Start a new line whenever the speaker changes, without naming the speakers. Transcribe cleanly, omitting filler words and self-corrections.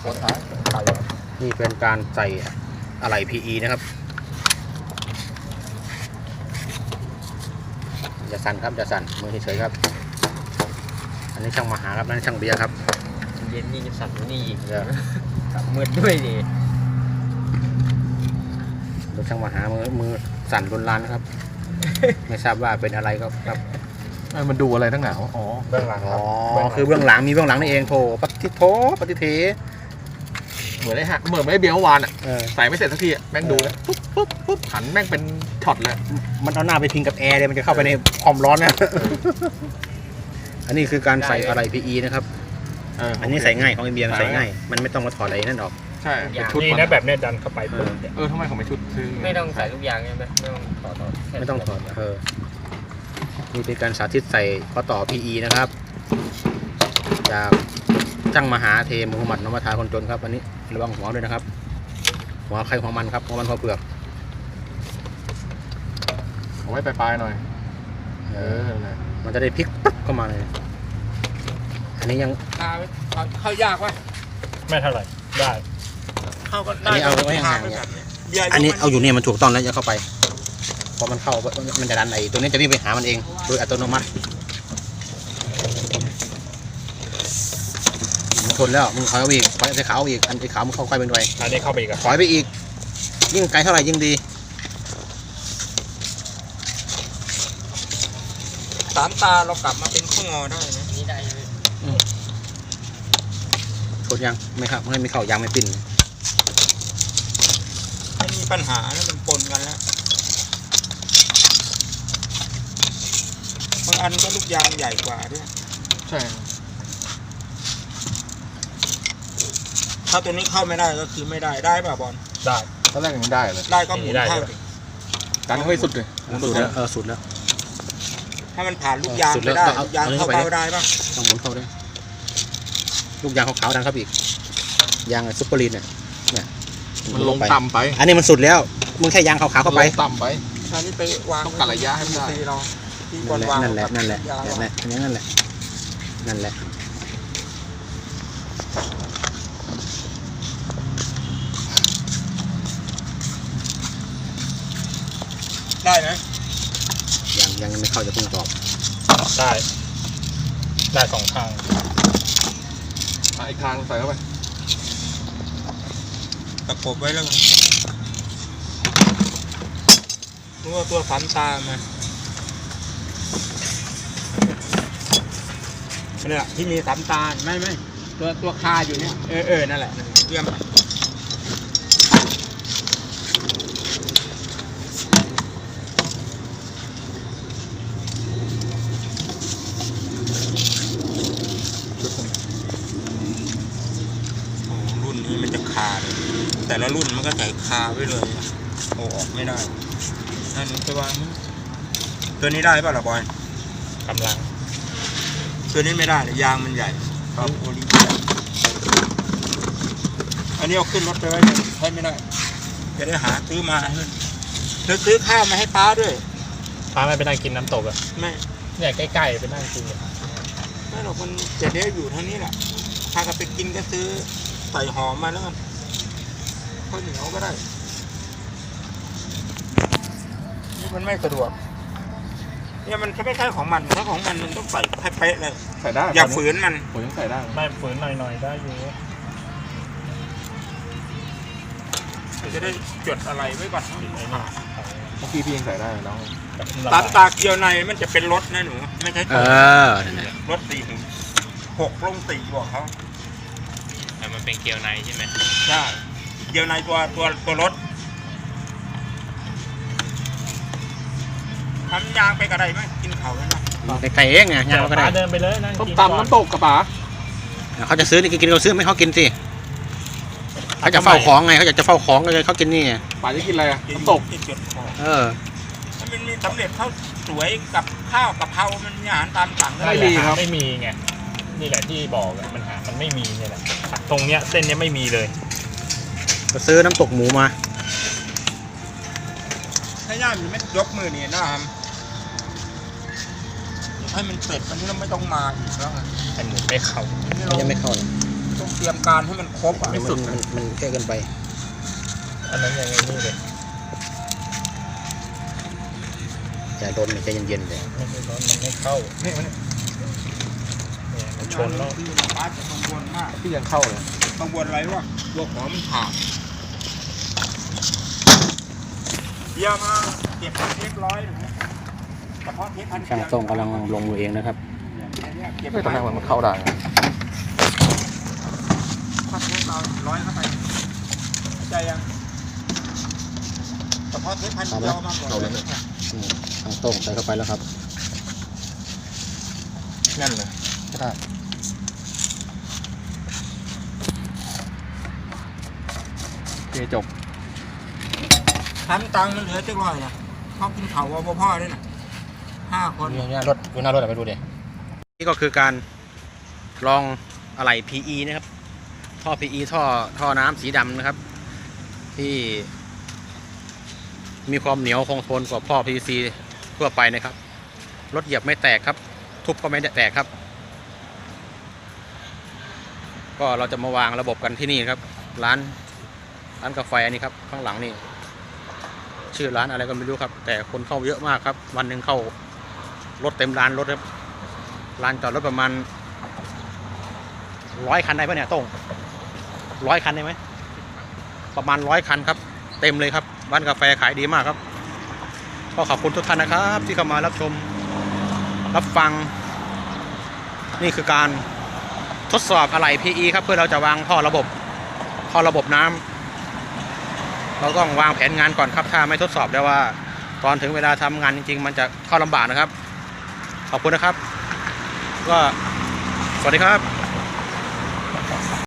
ตัวท้ายไก่
นี่เป็นการใส่อะไหล่ PE นะครับอย่าสั่นครับอย่าสั่นมือเฉยๆครับอันนี้ช่างมาหาครับนั่นช่างเบียร์ครับ
เย็นนี่จะสั่นนี่อีกมืดด้วยดิ
ดูช่างมาหามือสั่นรุนแรงนะครับ ไม่ทราบว่าเป็นอะไรครับ
มันดูอะไรทั้งหนาวอ๋อเบื้องหลังครับ
คือเบื้องหลังมีเบื้องหลังนี่เองโถปฏิเท
เหมือนไอ้ฮะเหมือนไอ้เบียร์เมื่อวานอ่ะใส่ไม่เสร็จสักทีแม่งดูแล้วปุ๊บหันแม่งเป็นช็อตเลย
มันเอาหน้าไปพิงกับแอร์เลยมันจะเข้าไปในความร้อนนะอันนี้คือการใส่อะไร PE นะครับอันนี้ใส่ง่ายของไอเบียร์ใส่ง่ายมันไม่ต้องมาถอดอะไรนั่นออก
ใช่
ชุดนี่นะแบบเนี้ยดันเข้าไป
ทำไมของไม่ชุด
ไม่ต้องใส่ลูกยางใช่ไหมไม่ต้องถอด
นี่เป็นการสาธิตใส่ข้อต่อ PE นะครับจากช่างมหาเทมูฮัมหมัดนมัทาคนจนครับอันนี้ระวังหัวด้วยนะครับหัวใครหัวมันครับหัวมันหัวเปลือก
เอาไว้ปลายๆหน่อย
มันจะได้พลิกปุ๊บเข้ามาเลยอันนี้ยัง
เข้ายากวะไม่เท่าไหร่ได้
เข้าก็ได้อันนี้เอาไว้ห่างๆอันนี้เอาอยู่เนี่ยมันถูกต้องแล้วอย่าเข้าไปพอมันเข้ามันจะดันไอ้ตัวนี้จะวิ่งไปหามันเองโดยอัตโนมัติมันทนแล้วมึงถอยอีกถอยไปขาวอีกอันที่ขาวมึงเข้าใกล้เป็นไร
อันนี้เข้าไปอีก
ถอยไปอีกยิ่งไกลเท่าไหร่ยิ่งดี
สามตาเรากลับมาเป็นข้องอได้นะนี่ได้
ทนยังไม่ครับไม่เข้ายางไม่ปิ้น
ไม่มีปัญหาแล้วมันปนกันแล้วบางอันก็ลูกยางใหญ่กว่าด้วย
ใช่
ถ้าตัวนี้เข้าไม่ได้ก็คือไม่ได้ป่ะบอล
ได้ตอนแรกยังได้เลย
ได้ก็หมุนเข้า
กันให้สุดเลย
สุดแล้วสุดแล้ว
ถ้ามันผ่านลูกยางไม่ได้ลูกยางเข้าเป้าได้ป่ะ
ต้องหมุนเข้าได้ลูกยางขาวๆดันครับอีกยางซุปเปอร์ลีนเนี่ย
มันลงต่ำไป
อันนี้มันสุดแล้วมึงแค่ยางขาวๆเข้าไป
ต่ำไป
อันนี้ไปวาง
ต้องกัดระยะให้มันได้
นั่นแหละนั่นแหละนั่นแหละ
ได้ไหม
ยังไม่เข้าจะเพิ่งตอบ
ได้สองข้าง
อีกทางใส่เข้าไป
ตะกบไว้แล้วตัวฝันตามาเนี่ยที่มีสามตาไม่ตัวคาอยู่เนี่ยนั่นแหละเยี่ยมรุ่นนี้มันจะคาเลยแต่ละรุ่นมันก็ใส่คาไว้เลยโอ้ออกไม่ได้นั่นตัวตัวนี้ได้ป่ะล่ะบอยกำลังตัวนี้ไม่ได้ยางมันใหญ่ครับโอลิอันนี้เอาขึ้นรถไปไว้ใช้ไม่ได้จะได้หาซื้อมาแล้วซื้อข้าวมาให้ป้าด้วยป้าไม่ไปนั่งกินน้ำตกอ่ะไม่เนี่ยใกล้ๆไปนั่งกินไม่หรอกมันจะได้อยู่ทางนี้แหละถ้าก็ไปกินก็ซื้อใส่หอมมาแล้วกันข้าวเหนียวก็ได้นี่มันไม่สะดวกเนี่ยมันไม่ใช่ของมันถ้าของมันต้องใส่ให้เป๊ะเลย
ใส่ได้
อย่าฝืนมัน
ผมยังใส่ได้
ไม่ฝืนหน่อยได้อยู่จะได้จดอะไรไว้ก่อน
เมื่อกี้พี่ยังใส่ได้น้อง
ตาเกียวในมันจะเป็นรถนะหนูไม่ใช่รถ6 ลง 4บอกเขาแต่มันเป็นเกียวในใช่ไหมใช่เกียวในตัวรถทำยางไปกระไดไหมกินเขาแล้วนะ
ไก่เองไงยางก็ได้
เดินไปเลยนะ
ตำน้ำตกกับป๋า
เขาจะซื้อนี่กินเขาซื้อไม่เขากินสิเขาจะเฝ้าของไงเขาอยากจะเฝ้าของเลยเขากินนี่
ป๋าจะกินอะไรน้ำตก
มันมีสำเร็จข้าวสวยกับข้าวกับเพรามันมีอาหารตามสั่ง
ไม่มีครับ
ไม่มีไงนี่แหละที่บอกมันไม่มีเนี่ยแหละตรงเนี้ยเส้นเนี้ยไม่มีเลย
ก็ซื้อน้ำตกหมูมา
ถ้าย่ามันไม่ยกมือนี่นะครับให้มันเสร็จมันไม่ต้องมาอีกแล้วไอ้หมูไม่เข้า
ยังไม่เข้าเลย
ต้องเตรียมการให้มันครบอ่ะ
มันแค่เกินไป
อันนั้นยังไงนี่เลย
ใจร้อนใจเย็นๆเลย
ไม่ร้อนมันไม่เข้านี่มันชนแล้ว
ป้าจะกังวลมาก
ที่ยังเข้าเลย
กังวลอะไรวะตัวหอมมันขาดเยี่ยมมากเก็บเทปร้อยหนึ่งเฉพาะเทปพัน
ช่างต้องกำลังลงมือเองนะครับ
เก็บ
ไม่
ไป
ตอนแรกมันเข้าได้
พัดเทปเราร้อยเข้าไปใจยังเฉพาะเทปพันเดียวมากกว่าเลย
ช่างต้องใส่เข้าไปแล้วครับ
แน่นเลยก็ได้โอเคจบ
ทำตังค์มันเหลือจังร้อยนะเขากินเขาว่าพ่อด้วยนะ5 คน
นี่รถดูหน้ารถไปดูดินี่ก็คือการลองอะไหล่ PE นะครับท่อ PE ท่อน้ำสีดำนะครับ ที่มีความเหนียวคงทนกว่าท่อ PVC ทั่วไปนะครับรถเหยียบไม่แตกครับ ทุบก็ไม่แตกครับ ก็เราจะมาวางระบบกันที่นี่ครับร้านกาแฟนี่ครับข้างหลังนี่ชื่อร้านอะไรก็ไม่รู้ครับแต่คนเข้าเยอะมากครับวันหนึ่งเข้ารถเต็มร้านรถครับลานจอดรถประมาณ100 คันได้ปะเนี่ยโต้ง100 คันได้ไหมประมาณ100 คันครับเต็มเลยครับร้านกาแฟขายดีมากครับก็ขอบคุณทุกท่านนะครับที่เข้ามารับชมรับฟังนี่คือการทดสอบอะไหล่ PE ครับเพื่อเราจะวางท่อระบบน้ำเราต้องวางแผนงานก่อนครับถ้าไม่ทดสอบแล้วว่าตอนถึงเวลาทำงานจริงๆมันจะเข้าลำบากนะครับขอบคุณนะครับก็สวัสดีครับ